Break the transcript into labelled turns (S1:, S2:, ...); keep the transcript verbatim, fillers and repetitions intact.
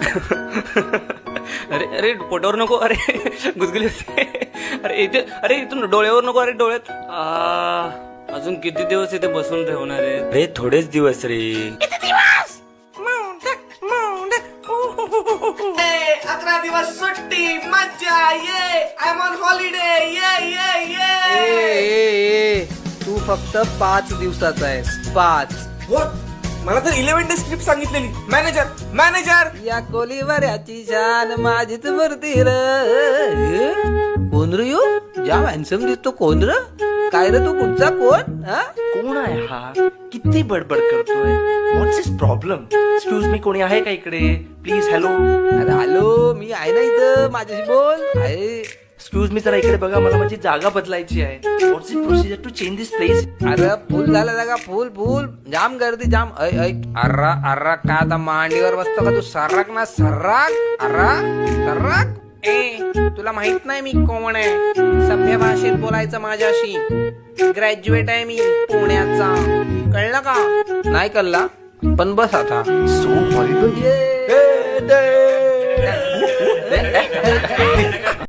S1: अरे अरे पोटावर नको, अरे गुदगुली होते. अरे इथे, अरे इथून डोळ्यावर नको, अरे डोळ्यात. आ, अजून किती दिवस इथे बसून ठेवणार आहे रे? थोडेच दिवस रे.
S2: अकरा दिवस सुट्टी, मज्जा, ये आय एम ऑन हॉलिडे, ये ये ये.
S3: ए, ए, ए, तू फक्त पाच दिवसाचा आहेस, पाच.
S2: What? मला तर इलेव्हन डे स्क्रिप्ट सांगितलेली. मॅनेजर मॅनेजर
S3: या कोलीवर याची शान माझीच मूर्ती र. कोण रे यो? ज्या हॅन्सम दिसतो कोण र? काय रे तू कुठचा कोण? हा?
S4: कोण आहे हा? किती बडबड करतोय? What's is problem? Excuse me, कोणी आहे का इकडे? प्लीज. हॅलो.
S3: अरे हॅलो, मी आहे ना इथं, माझ्याशी बोल. आहे.
S4: एक्सक्यूज मी, जरा इकडे बघा, मला माझी जागा बदलायची आहे. What's is procedure to change this place?
S3: अरे फुल झाला जागा, फुल फुल जाम गर्दी जाम. ऐ ऐ अर्रा अर्रा का आता मांडीवर बसतो का तू? सर्राक ना सर्राक. अर्रा सर्राक. ए तुला माहित नाही मी कोण आहे? सभ्य भाषेत बोलायचं माझ्याशी. ग्रॅज्युएट आहे मी पुण्याचा, कळलं का? नाही कळला पण बस आता.
S4: So horrible.